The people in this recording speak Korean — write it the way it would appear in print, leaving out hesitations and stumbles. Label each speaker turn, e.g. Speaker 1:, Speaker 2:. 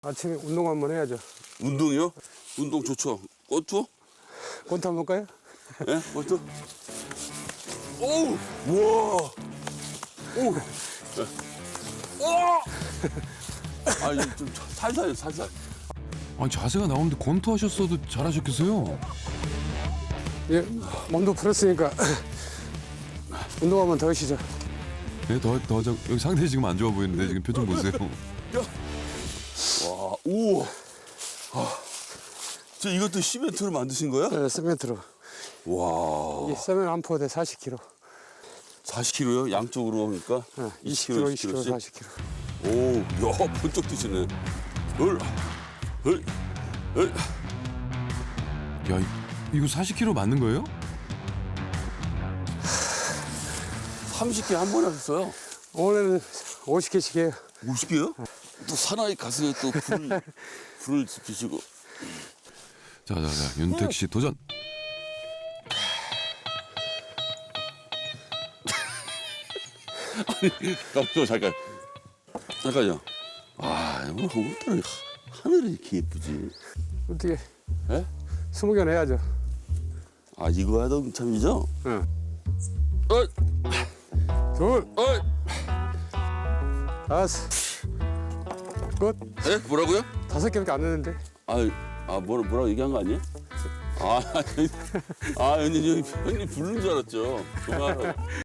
Speaker 1: 아침에 운동 한번 해야죠.
Speaker 2: 운동이요? 운동 좋죠. 권투?
Speaker 1: 권투 한번 볼까요?
Speaker 2: 예? 권투? 오우! 우와! 오우! 오! 아니, 좀 살살요, 살살.
Speaker 3: 아니 자세가 나오는데 권투하셨어도 잘하셨겠어요.
Speaker 1: 예, 몸도 풀었으니까 운동 한번 더 하시죠.
Speaker 3: 네, 여기 상태 지금 안 좋아 보이는데 지금 표정 보세요.
Speaker 2: 와, 우와! 아, 저 이것도 시멘트로 만드신 거야?
Speaker 1: 네, 세멘트로.
Speaker 2: 와,
Speaker 1: 이게 세멘 한 포대 40kg.
Speaker 2: 40kg요? 양쪽으로 하니까?
Speaker 1: 네, 20kg, 20kg,
Speaker 2: 20kg 씩?
Speaker 1: 40kg.
Speaker 2: 오, 야, 번쩍 뛰시네. 헐, 헐, 헐.
Speaker 3: 야, 이거 40kg 맞는 거예요?
Speaker 2: 30개 한 번에 하셨어요?
Speaker 1: 오늘은 50개씩 해요.
Speaker 2: 50개요? 또 사나이 가슴에 또 불을 지피시고.
Speaker 3: 자, 윤택 씨 도전.
Speaker 2: 잠깐요. 아, 오늘 하늘이 이렇게 예쁘지.
Speaker 1: 어떻게
Speaker 2: 예?
Speaker 1: 20개는 해야죠.
Speaker 2: 아, 이거 하던 참이죠?
Speaker 1: 응.
Speaker 2: 어이,
Speaker 1: 둘,
Speaker 2: 어이.
Speaker 1: 다섯, 끝.
Speaker 2: 예? 뭐라고요?
Speaker 1: 5개밖에 안 되는데.
Speaker 2: 뭐라고 얘기한 거 아니에요? 형님 부르는 줄 알았죠. 그만하라고.